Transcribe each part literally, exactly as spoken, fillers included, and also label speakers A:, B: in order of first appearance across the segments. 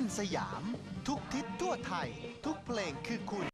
A: สยามทุกทิศทั่วไทยทุกเพลงคือคุณ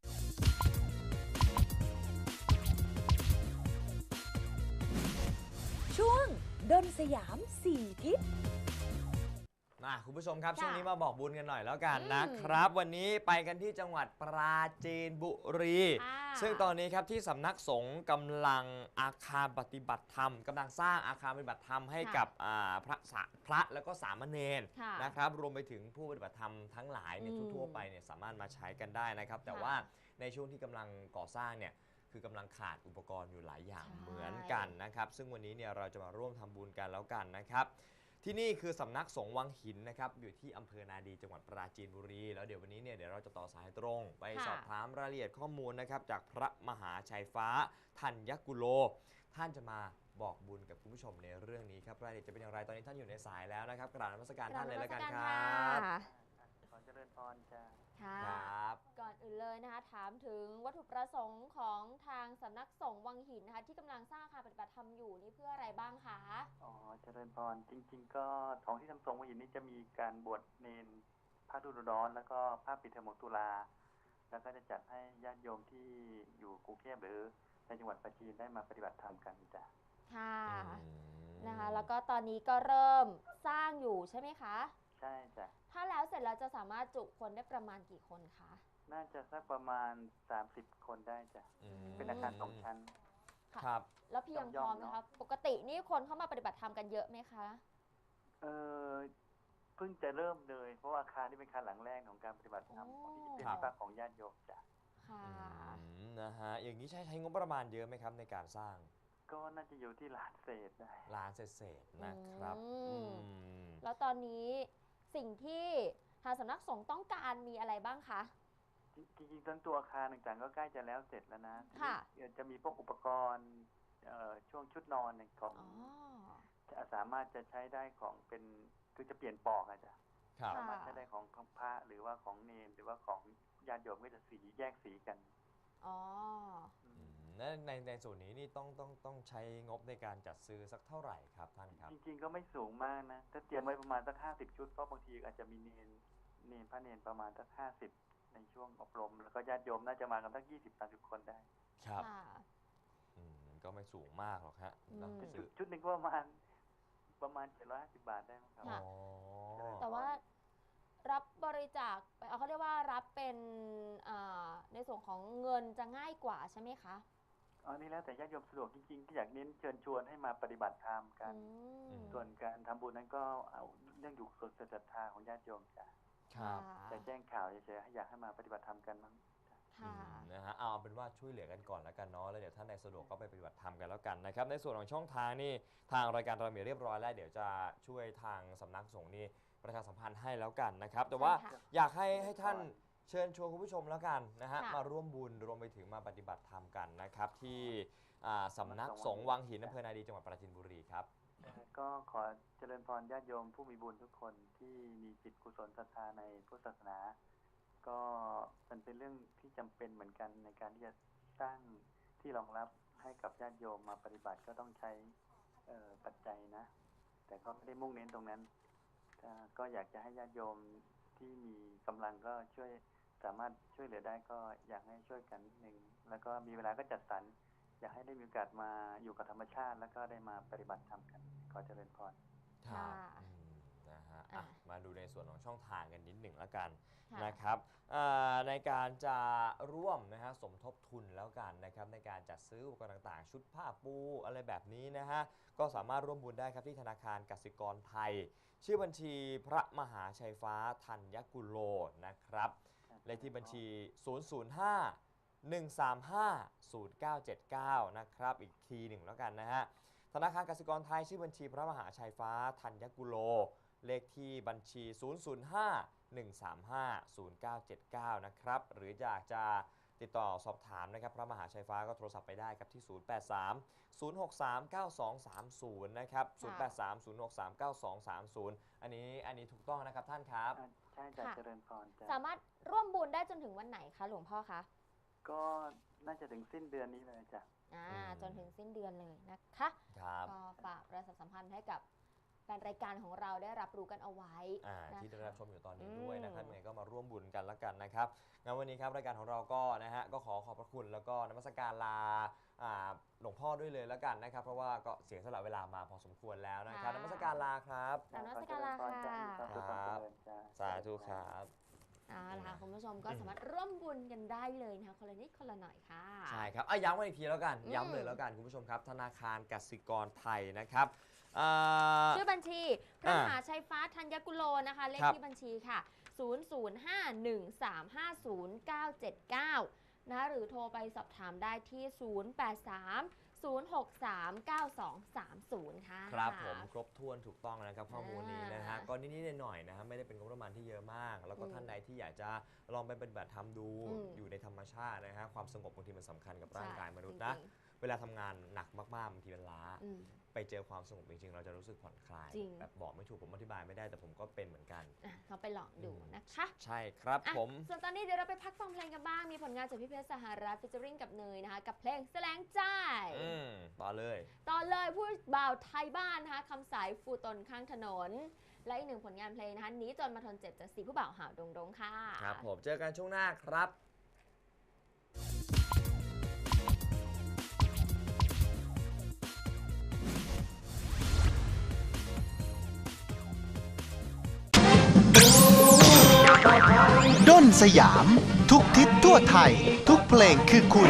B: ช่วงดนสยามสี่ทิศ
C: มาคุณผู้ชมครับช่วงนี้มาบอกบุญกันหน่อยแล้วกันนะครับวันนี้ไปกันที่จังหวัดปราจีนบุรีซึ่งตอนนี้ครับที่สำนักสงฆ์กำลังอาคารปฏิบัติธรรมกำลังสร้างอาคารปฏิบัติธรรมให้กับพระพระแล้วก็สามเณรนะครับรวมไปถึงผู้ปฏิบัติธรรมทั้งหลายเนี่ยทั่วไปเนี่ยสามารถมาใช้กันได้นะครับแต่ว่าในช่วงที่กำลังก่อสร้างเนี่ยคือกำลังขาดอุปกรณ์อยู่หลายอย่างเหมือนกันนะครับซึ่งวันนี้เนี่ยเราจะมาร่วมทำบุญกันแล้วกันนะครับที่นี่คือสำนักสงฆ์วังหินนะครับอยู่ที่อำเภอนาดีจังหวัดปราจีนบุรีแล้วเดี๋ยววันนี้เนี่ยเดี๋ยวเราจะต่อสายตรงไปสอบถามรายละเอียดข้อมูลนะครับจากพระมหาชัยฟ้าธัญกุโลท่านจะมาบอกบุญกับคุณผู้ชมในเรื่องนี้ครับรายละเอียดจะเป็นอย่างไรตอนนี้ท่านอยู่ในสายแล้วนะครับกราบนมัสการท่านเลยแล้วกันครับ
D: ขอเจริญพรจ้า
C: ครับ
E: ก่อนอื่นเลยนะคะถามถึงวัตถุประสงค์ของทางสำนักสงฆ์วังหินนะคะที่กำลังสร้างอาคารปฏิบัติธรรมอยู่นี่เพื่ออะไรบ้างคะ
D: อ๋อเจริญพรจริงๆก็ของที่ทำสงฆ์วังหินนี่จะมีการบวชเนรพระฤดูร้อนแล้วก็พระปิดเทอมตุลาแล้วก็จะจัดให้ญาติโยมที่อยู่กรุงเทพหรือในจังหวัดปราจีนได้มาปฏิบัติธรรมกันจ้ะ
E: ค่ะนะคะแล้วก็ตอนนี้ก็เริ่มสร้างอยู่ใช่ไหมคะ
D: ใช่จ้ะ
E: ถ้าแล้วเสร็จแล้วจะสามารถจุคนได้ประมาณกี่คนคะ
D: น่าจะสักประมาณสามสิบคนได้จ้ะเป็นอาคารสองชั้น
C: ครับ
E: แล้วเพียงพอไหมคะปกตินี่คนเข้ามาปฏิบัติธรรมกันเยอะไหมคะ
D: เออเพิ่งจะเริ่มเลยเพราะว่าอาคารนี่เป็นอาคารหลังแรกของการปฏิบัติธรรมของที่เป็นที่พักของญาติโยมจ้ะ
E: ค่ะ
C: นะฮะอย่างนี้ใช้ใช้งบประมาณเยอะไหมครับในการสร้าง
D: ก็น่าจะอยู่ที่ล้านเศษได้
C: ล้านเศษนะครับ
E: แล้วตอนนี้สิ่งที่ทางสำนักสงฆ์ต้องการมีอะไรบ้างคะ
D: จริงๆทั้งตัวอาคารต่างๆก็ใกล้จะแล้วเสร็จแล้วนะ
E: ค่ะ
D: จะมีพวกอุปกรณ์ช่วงชุดนอนของจะสามารถจะใช้ได้ของเป็นคือจะเปลี่ยนปอกอาจจะสามารถใช้ได้ของของพระหรือว่าของเนรหรือว่าของญาติโยมก็จะสีแยกสีกัน
E: อ๋อ
C: ในในส่วนนี้นี่ต้องต้องต้องใช้งบในการจัดซื้อสักเท่าไหร่ครับท่านครับ
D: จริงๆก็ไม่สูงมากนะถ้าเตรียมไว้ประมาณสักห้าสิบชุดเพราะบางทีอาจจะมีเนรเนรพระเนรประมาณสักห้าสิบในช่วงอบรมแล้วก็ญาติโยมน่าจะมากันสักยี่สิบสามสิบคนได้
C: ครับก็ไม่สูงมากหรอกฮะ
D: ชุดหนึ่งก็ประมาณประมาณเจ็ดร้อยห้าสิบบาทได้มั้งครับ
E: แต่ว่ารับบริจาคเขาเรียกว่ารับเป็นในส่วนของเงินจะง่ายกว่าใช่ไหมคะ
D: อ๋อนี่แล้วแต่ญาติโยมสะดวกจริงๆที่อยากเน้นเชิญชวนให้มาปฏิบัติธรรมกันส่วนการทำบุญนั้นก็เอาเรื่องอยู่ส่วนศรัทธาของญาติโยมจ้ะจะแจ้งข่าวเฉยๆอยากให้มาปฏิบัติธรรมกันมั้ง
C: นะฮะเอาเป็นว่าช่วยเหลือกันก่อนแล้วกันเนาะแล้วเดี๋ยวท่านใดสะดวกก็ไปปฏิบัติธรรมกันแล้วกันนะครับในส่วนของช่องทางนี่ทางรายการเรามีเรียบร้อยแล้วเดี๋ยวจะช่วยทางสำนักสงฆ์นี่ประชาสัมพันธ์ให้แล้วกันนะครับแต่ว่าอยากให้ให้ท่านเชิญชวนคุณผู้ชมแล้วกันนะฮะมาร่วมบุญรวมไปถึงมาปฏิบัติธรรมกันนะครับที่สำนักสงฆ์วังหินอำเภอนาดีจังหวัดปราจีนบุรีครับ
D: ก็ขอเจริญพรญาติโยมผู้มีบุญทุกคนที่มีจิตกุศลศรัทธาในพุทธศาสนาก็มันเป็นเรื่องที่จำเป็นเหมือนกันในการที่จะสร้างที่รองรับให้กับญาติโยมมาปฏิบัติก็ต้องใช้ปัจจัยนะแต่ก็ไม่ได้มุ่งเน้นตรงนั้นก็อยากจะให้ญาติโยมที่มีกำลังก็ช่วยสามารถช่วยเหลือได้ก็อยากให้ช่วยกันนิดนึงแล้วก็มีเวลาก็จัดสรรอยากให้ได้มีโอกาสมาอยู่กับธรรมชาติแล้วก็ได้มาปฏิบัติธรรมกันขอเจริญพร
C: ครับนะฮะมาดูในส่วนของช่องทางกันนิดหนึ่งแล้วกันนะครับในการจะร่วมนะฮะสมทบทุนแล้วกันนะครับในการจัดซื้ออุปกรณ์ต่างๆชุดผ้าปูอะไรแบบนี้นะฮะก็สามารถร่วมบุญได้ครับที่ธนาคารกสิกรไทยชื่อบัญชีพระมหาชัยฟ้าธัญกุโลนะครับเลขที่บัญชี ศูนย์ ศูนย์ ห้า หนึ่ง สาม ห้า ศูนย์ เก้า เจ็ด เก้า นะครับอีกทีหนึ่งแล้วกันนะฮะธนาคารกสิกรไทยชื่อบัญชีพระมหาชัยฟ้าธัญกุโลเลขที่บัญชี ศูนย์ ศูนย์ ห้า หนึ่ง สาม ห้า ศูนย์ เก้า เจ็ด เก้า นะครับหรืออยากจะติดต่อสอบถามนะครับพระมหาชัยฟ้าก็โทรศัพท์ไปได้ครับที่ ศูนย์ แปด สาม ศูนย์ หก สาม เก้า สอง สาม ศูนย์ นะครับ ศูนย์ แปด สาม ศูนย์ หก สาม เก้า สอง สาม ศูนย์ อันนี้อันนี้ถูกต้องนะครับท่านครับ
D: ใช่จ้ะเจริญพรจ้ะ
E: สามารถร่วมบุญได้จนถึงวันไหนคะหลวงพ่อคะ
D: ก็น่าจะถึงสิ้นเดือนนี้เลยจ้ะ
E: อ่าจนถึงสิ้นเดือนเลยนะคะ
C: ครับ
E: ก็ฝากประชาสัมพันธ์ให้กับแฟนรายการของเราได้รับรู้รู้กันเอาไว้
C: อ่า
E: นะคะ
C: ที่ได้รับชมอยู่ตอนนี้
E: อืม
C: ด้วยนะครับยังไงก็มาร่วมบุญกันละกันนะครับงั้นวันนี้ครับรายการของเราก็นะฮะก็ขอขอบพระคุณแล้วก็นมัสการลาอ่าหลวงพ่อด้วยเลยละกันนะครับเพราะว่าก็เสียสละเวลามาพอสมควรแล้วนะครับนมัสการลาครับ
E: กราบนมัสการลาค่ะ
C: ครับสาธุครับ
E: เอาล่ะค่ะคุณผู้ชมก็สามารถร่วมบุญกันได้เลยนะคะคนละนิดคนละหน่อยค่ะ
C: ใช่ครับอ่ะย้ำกันอีกทีแล้วกัน
E: อืม
C: ย้ำเลยแล้วกันคุณผู้ชมครับ ธนาคารกสิกรไทยนะครับอ่า
E: ชื่อบัญชีพระ
C: อ่าม
E: หาชัยฟ้าธัญกุโลนะคะ เลข
C: ครับ
E: ที่บัญชีค่ะ ศูนย์ ศูนย์ ห้า หนึ่ง สาม ห้า ศูนย์ เก้า เจ็ด เก้า นะคะหรือโทรไปสอบถามได้ที่ ศูนย์ แปด สาม ศูนย์ หก สาม เก้า สอง สาม ศูนย์ ค่ะ
C: ครับผมครบถ้วนถูกต้องนะครับข้อมูลนี้นะฮะ
E: อ่า
C: ก็นิดๆหน่อยๆนะฮะไม่ได้เป็นงบประมาณที่เยอะมาก แล้วก็
E: อืม
C: ท่านใดที่อยากจะลองไปปฏิบัติธรรมดู
E: อืม
C: อยู่ในธรรมชาตินะฮะความสงบบางทีมันสำคัญกับร่าง
E: ใช่
C: กายมนุษย์
E: จ
C: นะ
E: ริง
C: เวลาทำงานหนักมากๆบางทีมันล้า
E: ๆอืม
C: ไปเจอความสงบจริงๆเราจะรู้สึกผ่อนคลาย
E: จริง
C: แบบบอกไม่ถูกผมอธิบายไม่ได้แต่ผมก็เป็นเหมือนกัน
E: อ่ะเราไปลองดู
C: อืม
E: นะคะ
C: ใช่ครับ
E: อ่ะ
C: ผม
E: ส่วนตอนนี้เดี๋ยวเราไปพักฟังเพลงกันบ้าง มีผลงานจากพี่เพชรสหรัฐฟิชเจอริงกับเนยนะคะ กับเพลงแสลงใจ
C: อืมต่อเลย
E: ต่อเลยผู้บ่าวไทยบ้านนะคะคำสายฟูตนข้างถนน และอีกหนึ่งผลงานเพลงนะคะหนี้จนมาทนเจ็บจากสีผู้บ่าวหาวดงดงค่ะ
C: ครับผมเจอกันช่วงหน้าครับ
A: ด้นสยาม ทุกทิศทั่วไทย ทุกเพลงคือคุณ